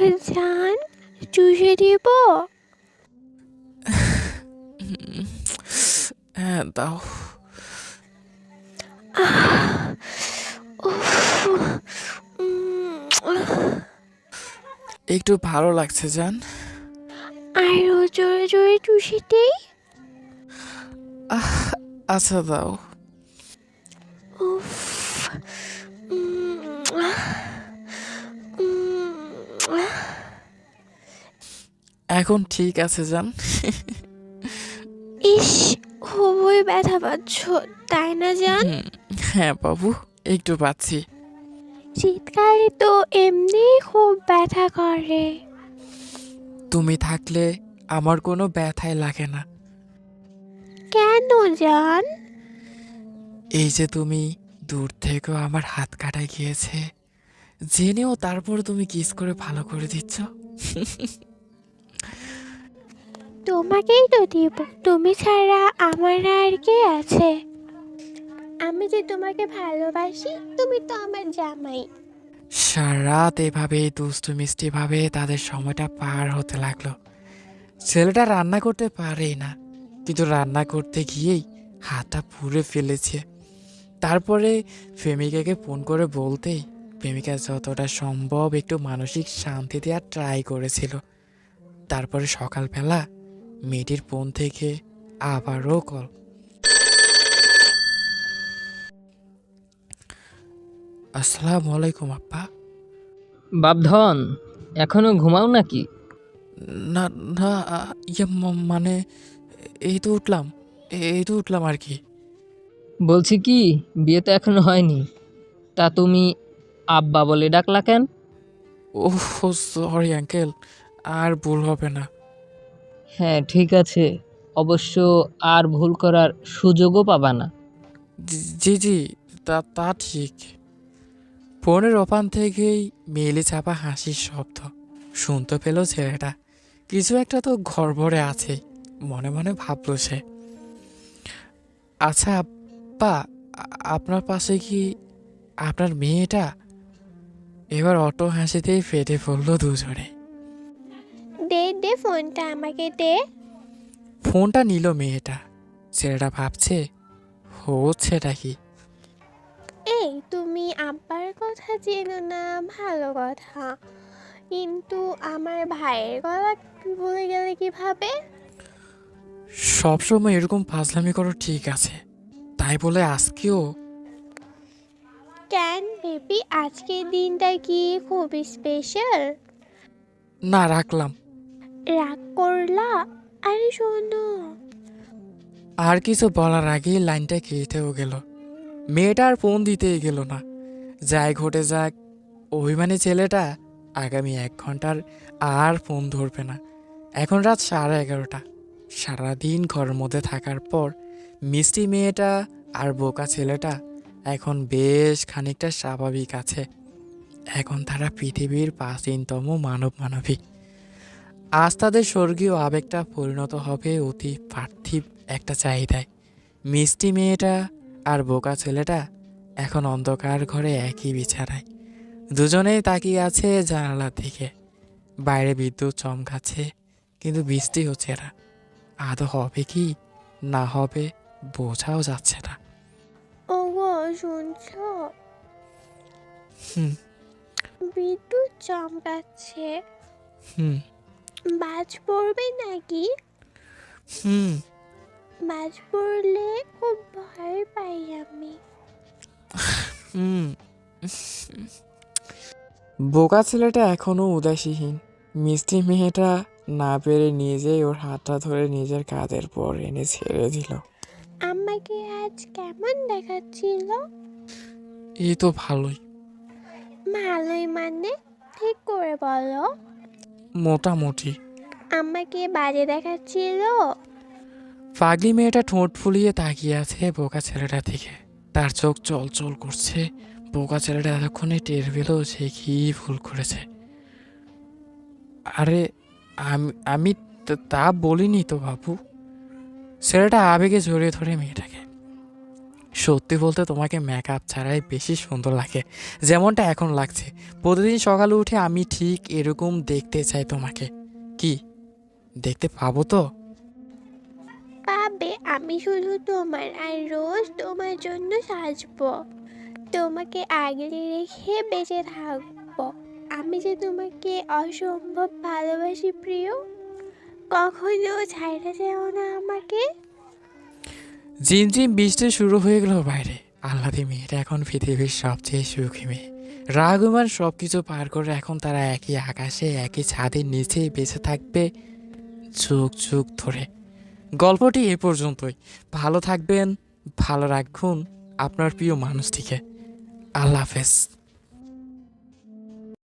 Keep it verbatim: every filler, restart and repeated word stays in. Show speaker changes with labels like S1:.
S1: জান, চুষে দিব?
S2: হ্যাঁ দাও। একটু ভালো লাগছে জান।
S1: আরো জোরে জোরে চুষে দেই?
S2: আহ আচ্ছা দাও।
S1: উফ।
S2: এখন ঠিক আছে জান।
S1: ইস, খুবই ব্যথা পাচ্ছ তাই না জান?
S2: হুম, হ্যাঁ বাবু, একটু পাচ্ছি।
S1: শীতকালে তো এমনি খুব ব্যথা করে।
S2: তুমি থাকলে আমার কোনো ব্যথাই লাগে না।
S1: কেন জান?
S2: এই যে তুমি দূর থেকেও আমার হাত কাটা গিয়েছে, জেনেও তারপর তুমি কিস করে ভালো করে দিচ্ছ।
S1: তোমাকেই তো দিব, তুমি ছাড়া আমার আর কে আছে? আমি যে তোমাকে ভালোবাসি, তুমি তো আমার জামাই।
S2: সারা রাত এভাবে দুষ্টু মিষ্টি ভাবে তাদের সময়টা পার হতে লাগলো। ছেলেটা রান্না করতে পারেই না, কিন্তু রান্না করতে গিয়েই হাতটা পুড়ে ফেলেছে। তারপরে প্রেমিকাকে ফোন করে বলতেই প্রেমিকা যতটা সম্ভব একটু মানসিক শান্তি দেওয়ার ট্রাই করেছিল। তারপরে সকালবেলা মেয়েটির ফোন থেকে আবারও কল। আসসালামু আলাইকুম আপ্পা।
S3: বাপধন, এখনো ঘুমাও নাকি?
S2: না না, আ, ইয়ে ম- মানে এই তো উঠলাম, এই তো উঠলাম আর কি।
S3: বলছি কি, বিয়ে তো এখনো হয়নি, তা তুমি আব্বা বলে ডাকলা কেন?
S2: ওহ সরি আঙ্কেল, আর ভুল হবে না।
S3: হ্যাঁ ঠিক আছে, অবশ্য আর ভুল করার সুযোগও পাবা না।
S2: জি জি জি, তা তা ঠিক। ফোনের ওপান থেকেই মেলে চাপা হাসির শব্দ শুনতে পেল ছেলেটা। কিছু একটা তো ঘরভরে আছে, মনে মনে ভাবল সে। আচ্ছা আব্বা, আ- আপনার পাশে কি আপনার মেয়েটা? এবার অটো হাসিতেই ফেটে পড়ল দুজনে।
S1: দে দে ফোনটা আমাকে দে।
S2: ফোনটা নিল মেয়েটা। ছেলেটা ভাবছে হচ্ছেটা কি।
S1: এই, তুমি আব্বার কথা চেনো না, ভালো কথা, কিন্তু আমার ভাইয়ের কথা ভুলে গেলে কিভাবে?
S2: সবসময় এরকম ফাজলামি করো ঠিক আছে, তাই বলে আজকেও?
S1: কেন বেবি, আজকের দিনটা কি খুবই স্পেশাল?
S2: না, রাখলাম।
S1: রাগ করলা? আরে শোনো।
S2: আর কিছু বলার আগেই লাইনটা কেটেও গেল। মেয়েটা আর ফোন দিতেই গেল না। যাই ঘটে যাক, অভিমানী ছেলেটা আগামী এক ঘন্টার আর ফোন ধরবে না। এখন রাত সাড়ে এগারোটা। সারাদিন ঘরের মধ্যে থাকার পর মিষ্টি মেয়েটা আর বোকা ছেলেটা এখন বেশ খানিকটা স্বাভাবিক আছে। এখন তারা পৃথিবীর প্রাচীনতম মানব মানবী। আজ তাদের স্বর্গীয় আবেগটা পরিণত হবে অতি পার্থিব একটা চাহিদায়। মিষ্টি মেয়েটা আর বোকা ছেলেটা এখন অন্ধকার ঘরে একই বিছানায়। দুজনেই তাকিয়ে আছে জানালার দিকে। বাইরে বিদ্যুৎ চমকাচ্ছে, কিন্তু বৃষ্টি হচ্ছে না। আদৌ হবে কি না হবে বোঝাও যাচ্ছে না।
S1: ওগো, শুনছো?
S2: হুম
S1: বিদ্যুৎ চমকাচ্ছে।
S2: হুম
S1: বাজ পড়বে নাকি?
S2: হুম
S1: বাজ পড়লে খুব ভয় পাই আমি।
S2: হুম বোকা ছেলেটা এখনো উদাসীহীন। মিষ্টি মেয়েটা না পেরে নিজেই ওর হাতটা ধরে নিজের কাঁধের পর এনে ছেড়ে দিল।
S1: আমাকে আজ কেমন দেখাচ্ছিল?
S2: এই তো ভালোই।
S1: ভালোই মানে? ঠিক করে বলো।
S2: মোটামুটি।
S1: আমাকে বাজে দেখাচ্ছিল?
S2: পাগলি মেয়েটা ঠোঁট ফুলিয়ে তাকিয়ে আছে বোকা ছেলেটার দিকে। তার চোখ চলচল করছে। বোকা ছেলেটা এতক্ষণে টের পেল সে কি ভুল করেছে। আরে আমি আমি তা- তা বলিনি তো বাবু। ছেলেটা আবেগে জড়িয়ে ধরে মেয়েটাকে। সত্যি বলতে তোমাকে মেকআপ ছাড়াই বেশি সুন্দর লাগে, যেমনটা এখন লাগছে। প্রতিদিন সকালে উঠে আমি ঠিক এরকম দেখতে চাই তোমাকে। কি দেখতে পাবো তো?
S1: পাবে, আমি শুধু তোমার আর রোজ তোমার জন্য সাজবো, তোমাকে আগলে রেখে বেঁচে থাকবো। আমি যে তোমাকে অসম্ভব ভালোবাসি প্রিয়, কখনো ছাইড়া যেও না আমাকে।
S2: ঝিমঝিম বৃষ্টি শুরু হয়ে গেল বাইরে। আহ্লাদি মেয়েটা এখন পৃথিবীর সবচেয়ে সুখী মেয়ে। রাগুমান সব কিছু পার করে এখন তারা একই আকাশে একই ছাদের নিচে বেঁচে থাকবে যুগ যুগ ধরে। গল্পটি এ পর্যন্তই। ভালো থাকবেন, ভালো রাখুন আপনার প্রিয় মানুষটিকে। আল্লাহ হাফেজ।